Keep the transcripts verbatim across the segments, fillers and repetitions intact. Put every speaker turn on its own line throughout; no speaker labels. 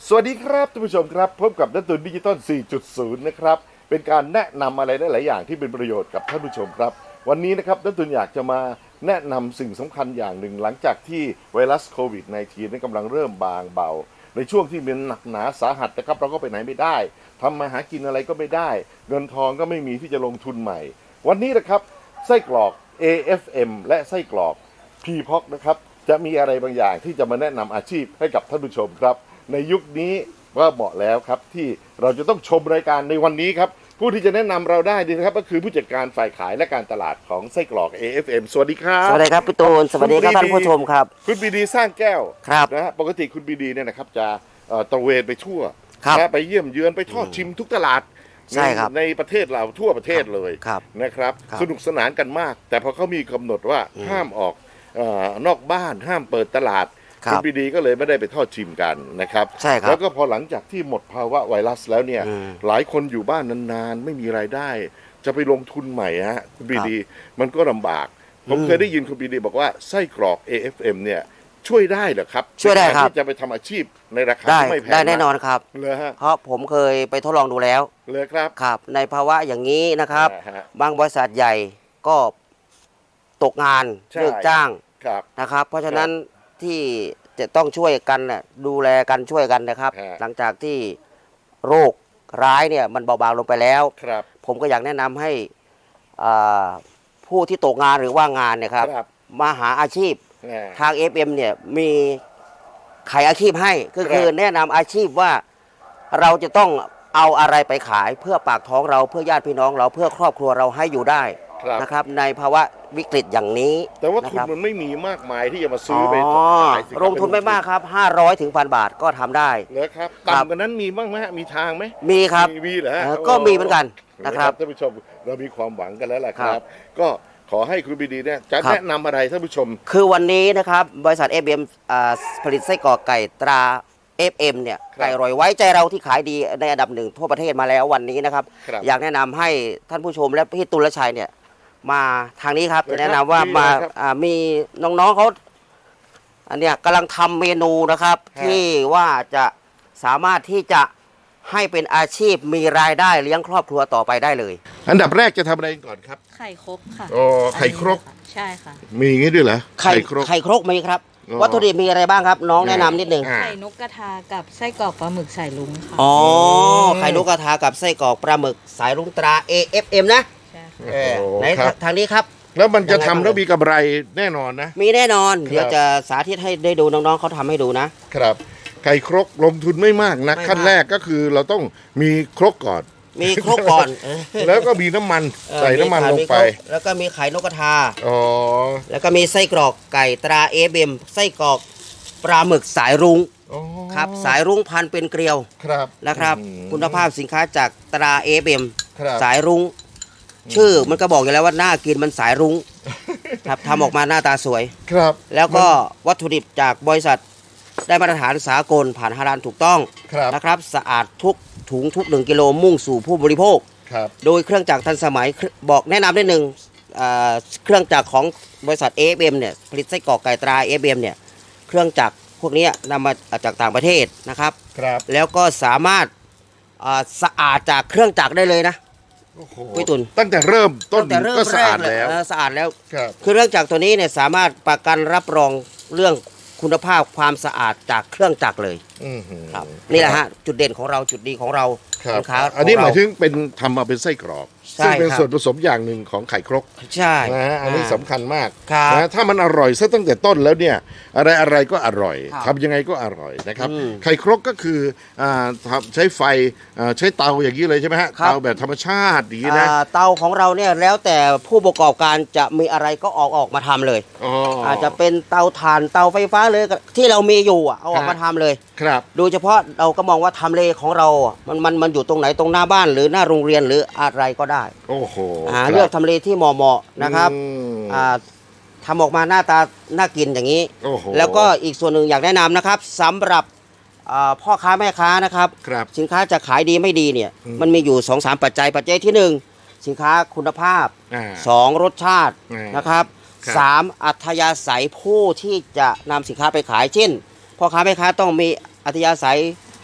สวัสดีครับท่านผู้ชมครับพบกับนักตุนดิจิตอล สี่จุดศูนย์ นะครับเป็นการแนะนำอะไรได้หลายอย่างที่เป็นประโยชน์กับท่านผู้ชมครับวันนี้นะครับนักตุนอยากจะมาแนะนำสิ่งสำคัญอย่างหนึ่งหลังจากที่ไวรัสโควิด สิบเก้า นั้นกำลังเริ่มบางเบาในช่วงที่มันหนักหนาสาหัสนะครับเราก็ไปไหนไม่ได้ทำมาหากินอะไรก็ไม่ได้เงินทองก็ไม่มีที่จะลงทุนใหม่วันนี้นะครับไส้กรอก เอ เอฟ เอ็ม และไส้กรอก พี พี โอ ซี นะครับจะมีอะไรบางอย่างที่จะมาแนะนำอาชีพให้กับท่านผู้ชมครับในยุคนี้ว่าเหมาะแล้วครับที่เราจะต้องชมรายการในวันนี้ครับผู้ที่จะแนะนำเราได้ดีนะครับก็คือผู้จัดการฝ่ายขายและการตลาดของไส้กรอก เอ เอฟ เอ็ม สวัสดีครับ
สวัสดีครับพี่ตูนสวัสดีครับท่านผู้ชมครับ
คุณบีดีสร้างแก้ว
ครับ
นะฮะปกติคุณบีดีเนี่ยนะครับจะเอ่อตระเวนไปทั่ว
ครับ
นะไปเยี่ยมเยือนไปทอดชิมทุกตลาด
ใช่ครับ
ในประเทศเราทั่วประเทศเลย
ครับ
นะครับ
ครับ
สนุกสนานกันมาก แต่พอเขามีกำหนดว่าห้ามออกเอ่อนอกบ้านห้ามเปิดตลาด
ครับ
คุณบีดีก็เลยไม่ได้ไปทอดชิมกันนะครับ
ใช่ครับ
แล้วก็พอหลังจากที่หมดภาวะไวรัสแล้วเนี่ย
อืม
หลายคนอยู่บ้านนานๆ ไม่มีรายได้ จะไปลงทุนใหม่ฮะคุณบีดีมันก็ลำบาก ผม
อืม
เคยได้ยินคุณบีดีบอกว่าไส้กรอก เอ เอฟ เอ็ม เนี่ยช่วยได้เหรอครับ
ช่วยได้ครับ
ในกาที่จะไปทำอาชีพในราคา
ได้
ที่ไม่แพง
ได้แน่นอน
มาก
ครับ
เลยฮะ
เพราะผมเคยไปทดลองดูแล้ว
เลยครับ
ครับ ในภาวะอย่างนี้นะครับ
อ่าฮะ
บางบริษัทใหญ่ก็ตกงาน
ใช่
เลิกจ้าง
ครับ
นะครับ เพราะฉะนั้นที่จะต้องช่วยกันน่ะดูแลกันช่วยกันนะครับ
ฮะ
หลังจากที่โรคร้ายเนี่ยมันเบาบางลงไปแล้ว
ครับ
ผมก็อยากแนะนำให้อ่าผู้ที่ตกงานหรือว่างงานเนี่ยครับ
ครับ
มาหาอาชีพ
แหม
ทาง เอฟ เอ็ม เนี่ยมีขายอาชีพให้ก็คือ
ครับ
แนะนำอาชีพว่าเราจะต้องเอาอะไรไปขายเพื่อปากท้องเราเพื่อญาติพี่น้องเราเพื่อครอบครัวเราให้อยู่ได้
ครับ
นะครับ ในภาวะวิกฤตอย่างนี้
แต่ว่า
นะ
ทุน
ครับ
มันไม่มีมากมายที่จะมา
อ๋
ซื้อไป
อ
ขายสิครับ
ลงทุนไม่มากครับห้าร้อยถึงพันบาทก็ทำได้
เหรอครับ
ครับ
ต่ำกว่านั้นมีบ้างไหมฮะมีทางไหม
มีครับ
มีมีเหรอฮะ
เอ่อก็มีเหมือนกันนะครับ
ท่านผู้ชมเรามีความหวังกันแล้วล่ะค
ครั
รับ
บ
ก็ขอให้คุณบีดีเนี่ยจะ
ครับ
แนะนำอะไรท่านผู้ชม
คือวันนี้นะครับบริษัท เอฟ เอ็ม อ่าผลิตไส้กรอกไก่ตรา เอฟ เอ็ม เนี่ย
ครับ
ไก่อร่อยไว้ใจเราที่ขายดีในอันดับหนึ่งทั่วประเทศมาแล้ววันนี้นะครับ
ครับ
อยากแนะนำให้ท่านผู้ชมและพี่ตุลชัยเนี่ยมาทางนี้ครับ
เลยครับ
จะแนะนำว่า
ดี
มา
เลยครับ
อ่ามีน้องๆเขาอันเนี้ยกำลังทำเมนูนะครับ
ฮะ
ที่ว่าจะสามารถที่จะให้เป็นอาชีพมีรายได้เลี้ยงครอบครัวต่อไปได้เลย
อันดับแรกจะทำอะไรก่อนครับ
ไข่ครกค่ะ
อ๋อไข่ครก
อันนี้นะคะใช่ค่ะ
มีอย่างนี้ด้วยเหรอ
ไข่
ครก
ไข่ครกมีครับ
อ๋อ
วัตถุดิบมีอะไรบ้างครับ น้องแนะนำนิดนึง
อ่า
ไข่นกกระทากับไส้กรอกปลาหมึกใส่ลุงค่ะ
อ๋อ
ม
ไข่นกกระทากับไส้กรอกปลาหมึกสายลุงตรา เอ เอฟ เอ็ม นะ
ใช่ค่ะ
เออ
โอ้
ไหน
ครับ
ทางนี้ครับ
แล้วมันจะ
ยังไง
ทำ
บ้าง
แล้วมีกำไรแน่นอนนะ
มีแน่นอน
ครับ
เดี๋ยวจะสาธิตให้ได้ดูน้องๆเขาทำให้ดูนะ
ครับไข่ครกลงทุนไม่มากนะ
ไม่มาก
ขั้นแรกก็คือเราต้องมีครกก่อน
มีครกก่อนเออ
แล้วก็มีน้ำมัน
เออ
ใส่น้ำมัน
ข่
ลงไป
ครกแล้วก็มีไข่นกกระทา
อ๋อ
แล้วก็มีไส้กรอกไก่ตรา เอฟ เอ็ม ไส้กรอกปลาหมึกสายรุ้ง
อ๋อ
ครับ สายรุ้งพันเป็นเกลียว
ครับ
นะครับ
อืม
คุณภาพสินค้าจากตรา เอฟ เอ็ม
ครับ
สายรุ้ง ชื่อมันก็บอกอยู่แล้วว่าน่ากินมันสายรุ้งครับทำออกมาหน้าตาสวย
ครับ
แล้วก็วัตถุดิบจากบริษัทได้มาตรฐานสากลผ่านฮาลาลถูกต้อง
ครับ
นะครับ สะอาดทุกถุงทุกหนึ่งกิโลมุ่งสู่ผู้บริโภค
ครับ
โดยเครื่องจักรทันสมัยบอกแนะนำได้หนึ่งอ่าเครื่องจักรของบริษัท เอ เอฟ เอ็ม เนี่ยผลิตไส้กรอกไก่ตรา เอ เอฟ เอ็ม เนี่ยเครื่องจักรพวกนี้นำมาจากต่างประเทศนะครับ
ครับ
แล้วก็สามารถอ่าสะอาดจากเครื่องจักรได้เลยนะ
โอ้โห
พี่ตุล
ตั้งแต่เริ่มต้น
ตั้งแต่เริ่ม
ก็สะอาด
แรก
แล้ว
เออสะอาดแล้ว
ครับ
คือเครื่องจักรตัวนี้เนี่ยสามารถประกันรับรองเรื่องคุณภาพความสะอาดจากเครื่องจักรเลย
อื้อหือ
ครับนี่แหละฮะจุดเด่นของเราจุดดีของเรา
ครับ
สินค้า
อันนี้
ข
ห
ง
มาย
เร
ถึงเป็นทำมาเป็นไส้กรอก
ใช่
ซึ่งเป็น
ครับ
ส่วนผสมอย่างหนึ่งของไข่ครก
ใช่
นะฮะอันนี้สำคัญมาก
ครับ
นะถ้ามันอร่อยซะตั้งแต่ต้นแล้วเนี่ยอะไรอะไรก็อร่อย
ครับ
ทำยังไงก็อร่อยนะครับ
อืม
ไข่ครกก็คืออ่าทำใช้ไฟอ่าใช้เตาอย่างนี้เลยใช่ไหมฮะ
ครับ
เตาแบบธรรมชาติอย่างนี้นะ
อ่าเตาของเราเนี่ยแล้วแต่ผู้ประกอบการจะมีอะไรก็ออกออกมาทำเลย
อ๋ออ
อาจจะเป็นเตาถ่านเตาไฟฟ้าเลยที่เรามีอยู่อะเอาออก
ฮะ
มาทำเลย
ครับ
โดยเฉพาะเราก็มองว่าทำเลของเราอะมันมันมันอยู่ตรงไหนตรงหน้าบ้านหรือหน้าโรงเรียนหรืออะไรก็ได้
โอ้โห
อ่า
ครับ
เลือกทำเลที่เหมาะๆนะครับ
อืม
อ่าทำออกมาหน้าตาน่ากินอย่างนี้
โอ้โห
แล้วก็อีกส่วนหนึ่งอยากแนะนำนะครับสำหรับอ่าพ่อค้าแม่ค้านะครับ
ครับ
สินค้าจะขายดีไม่ดีเนี่ย
อืม
มันมีอยู่สองสามปัจจัยปัจจัยที่หนึ่งสินค้าคุณภาพ
อ่า
สองรสชาติ
อ่าน
นะครับ
ครับ
สามอัธยาศัยผู้ที่จะนำสินค้าไปขายเช่นพ่อค้าแม่ค้าต้องมีอัธยาศัย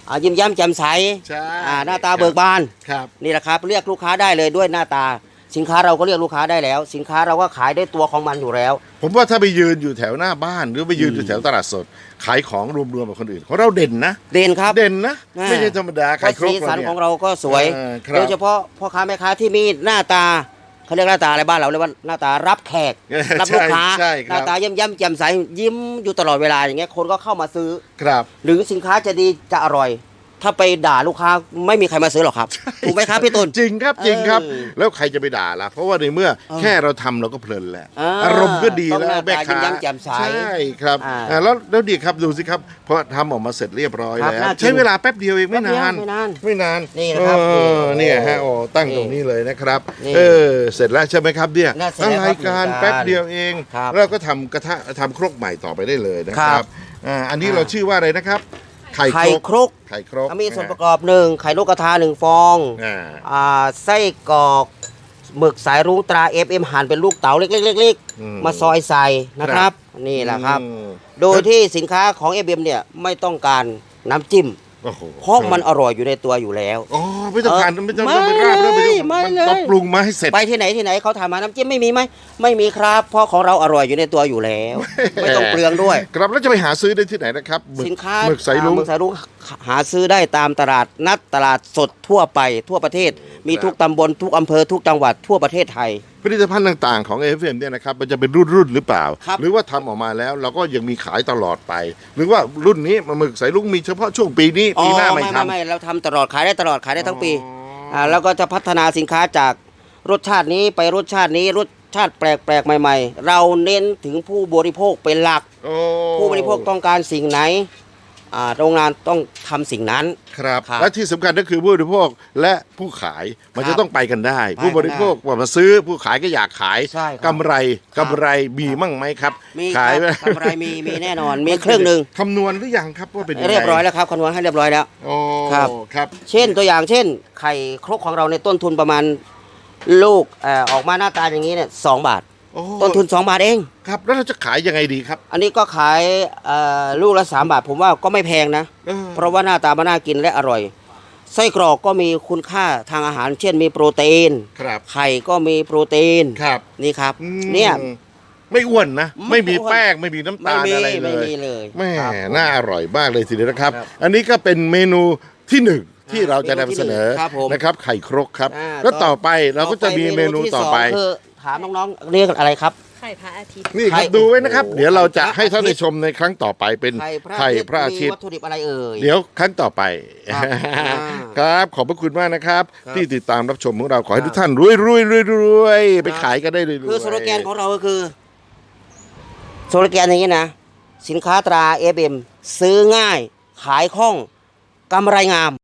อ่ายิ้มแย้มแจ่มใส
ใช่
อ่าหน้าตาเบิกบาน
ครับ
นี่แหละครับเรียกลูกค้าได้เลยด้วยหน้าตา สินค้าเราก็เรียกลูกค้าได้แล้ว สินค้าเราก็ขายได้ตัวของมันอยู่แล้ว
ผมว่าถ้าไปยืนอยู่แถวหน้าบ้านหรือไปยืนอยู่แถวตลาดสด ขายของรวมๆกับคนอื่นของเราเด่นนะ
เด่นครับ
เด่นนะ
อ่า
ไม่ใช่ธรรมดา
เพ
ขาย
ราะ
ครบ
สีสัน
เนี่ย
ของเราก็สวย
เออครับ
โดยเฉพาะพ่อค้าแม่ค้าที่มีหน้าตาเขาเรียกหน้าตาอะไรบ้านเราเรียกว่าหน้าตารับแขก
เออ
รับลูกค้า
ใช่ใช่
ห
ครับ
น้าตาเยิ้มแย้มแจ่มใสยิ้มอยู่ตลอดเวลาอย่างเงี้ยคนก็เข้ามาซื้อ
ครับ
หรือสินค้าจะดีจะอร่อย ถ้าไปด่าลูกค้าไม่มีใครมาซื้อหรอกครับถูกไหมครับพี่ตุล
จริงครับจริงครับ
เออ
แล้วใครจะไปด่าล่ะเพราะว่าในเมื่อ
เออ
แค่เราทำเราก็เพลินแล้ว
อ่า
อารมณ์ก็ดี
ต้อง
แล้ว
หน้า
แม่
ตา
ค้า
ยิ้มแย้มแจ่มใส
ใช่ครับ
อ่า
อ่าแล้วแล้วดีครับดูสิครับพอทำออกมาเสร็จเรียบร้อย
ครับ
แล้ว
น่ากิน
ใช้เวลาแป๊บเดียวเองไม่นาน
ไม่นาน
ไม่นาน
นี่นะครับ
เออ
นี่
เนี่ยฮะโอ้ตั้ง
นี่
ตรงนี้เลยนะครับ
นี่
เออเสร็จแล้วใช่ไหมครับเนี่ย
น่าเสร็จแล้วครับ
รายการ
หนึ่งจาน
แป๊บเดียวเอง
ครับ
แล้วก็ทำกระทะทำครกใหม่ต่อไปได้เลยนะค
ครั
รับบ อ่าอันนี้
อ่า
เราชื่อว่าอะไรนะครับ ไข่
ไข่
ครก
ครก
ไข่ครก
มีส่วนประกอบหนึ่งไข่นกกระทาหนึ่งฟอง
อ่า
อ่าไส้กรอกหมึกสายรุ้งตรา เอฟ เอ็ม หั่นเป็นลูกเต๋าเล็กๆ
อืม
ๆมาซอยใส่นะครับ นี่แหละครับ
อืม
โดยที่สินค้าของ เอฟ เอ็ม เนี่ยไม่ต้องการน้ำจิ้ม
โอ้โห
เพราะมันอร่อยอยู่ในตัวอยู่แล้ว
อ๋อไม่ต้องการ
เออ
ไม่ต้องต้องไปราบแล้ว
ไม่
ไม่ต้อง
ไม่
มัน
เลย
ต้องปรุงมาให้เสร็จ
ไปที่ไหนที่ไหนเขาถามมาน้ำจิ้มไม่มีไหมไม่มีครับ เพราะของเราอร่อยอยู่ในตัวอยู่แล้ว ไม่ต้องเปลืองด้วย
ครับแล้วจะไปหาซื้อได้ที่ไหนนะครับหมึก
สินค้า
หมึกสายลุง
อ่หมึกสายรุ้งหาซื้อได้ตามตลาดนัดตลาดสดทั่วไปทั่วประเทศ มีทุกตำบลทุกอำเภอทุกจังหวัดทั่วประเทศไทย
ผลิตภัณฑ์ต่างๆของ เอ เอฟ เอ็ม เนี่ยนะครับมันจะเป็นรุ่นๆหรือเปล่า
ครับ
หรือว่าทำออกมาแล้วเราก็ยังมีขายตลอดไป หรือว่ารุ่นนี้หมึกสายลุงมีเฉพาะช่วงปีนี้ปีหน้าไม่
ไม่
ทำ
ไม่เราทำตลอดขายได้ตลอดขายได้ทั้งปี
อ๋ออ่
่าแล้วก็จะพัฒนาสินค้าจากรสชาตินี้ไปรสชาตินี้รสชาติแปลกๆใหม่ ๆ เราเน้นถึงผู้บริโภคเป็นหลัก
โอ้
ผู้บริโภคต้องการสิ่งไหนอ่าโรงงานต้องทำสิ่งนั้น
ครับ
ครับ
และที่สำคัญก็คือผู้บริโภคและผู้ขายมัน
ครับ
จะต้องไปกันได้
ไปกันได้
ผู้บริโภคว่ามาซื้อผู้ขายก็อยากขาย
ใช่ครับ
กำไร
ครับ
กำไรมีมั่งไหมครับ
มีค
ขาย
รับกำไรมีมีแน่นอน มีเครื่องหนึ่ง
คำนวณหรือยังครับว่าเป็นงไง
เรียบร้อยแล้วครับคำนวณให้เรียบร้อยแล้ว
โอ้
ครับ
ครับ
เช่นตัวอย่างเช่น ไข่ครกของเราในต้นทุนประมาณลูกเอ่อออกมาหน้าตาอย่างนี้เนี่ยสองบาท
โอ้
ต้นทุนสองบาทเอง
ครับแล้วเราจะขายยังไงดีครับ
อันนี้ก็ขายเอ่อลูกละสามบาท ผมว่าก็ไม่แพงนะ
เออ
เพราะว่าหน้าตามันน่ากินและอร่อย ไส้กรอกก็มีคุณค่าทางอาหาร เช่นมีโปรตีน
ครับ
ไข่ก็มีโปรตีน
ครับ
นี่ครับ
อืม
เนี่ย
ไม่อ้วนนะ
ไม่
ไม่มี
อ้วน
แป้งไม่มีน้ำ
ไม่
ตาล
มี
อะไรเล
ไม่
ย
มีเลย
แม่
ครับ
น่าอร่อยมากเลยทีเดียวนะครับ
ครับ
อันนี้ก็เป็นเมนูที่หนึ่งที่เราจะนำเสนอ
ครับผม
นะครับ ไข่ครกครับ
อ่า
แล้วต่อไปเราก็จะมีเมนูต่อไป
ที่สงคือถามน้องๆเรียกอะไรครับ
ไข่พระอาทิตย์
นี่ครับ
ไข่
ดูไว้นะครับ
โอ้โห
เดี๋ยวเราจะให้ท่าน
ไข่พระอาทิตย์
ได้ชมในครั้งต่อไปเป็น
ไข่พระ
ไข่
อาทิตย์
พระอาทิต
มี
ย์
วัตถุดิบอะไรเอ่ย
เดี๋ยวครั้งต่อไป
ครับอ่า
ครับ ขอบพระคุณมากนะครับ
ครับ
ที่ติดตามรับชมของเราขอให้
ครับ
ทุกท่านรวยรวยรวยรวยไปขายกันได้รวยๆ
คือสโลแกนของเราก็คือสโลแกนอย่างนี้นะ สินค้าตรา เอฟ เอ็ม ซื้อง่าย ขายคล่องกำไรงาม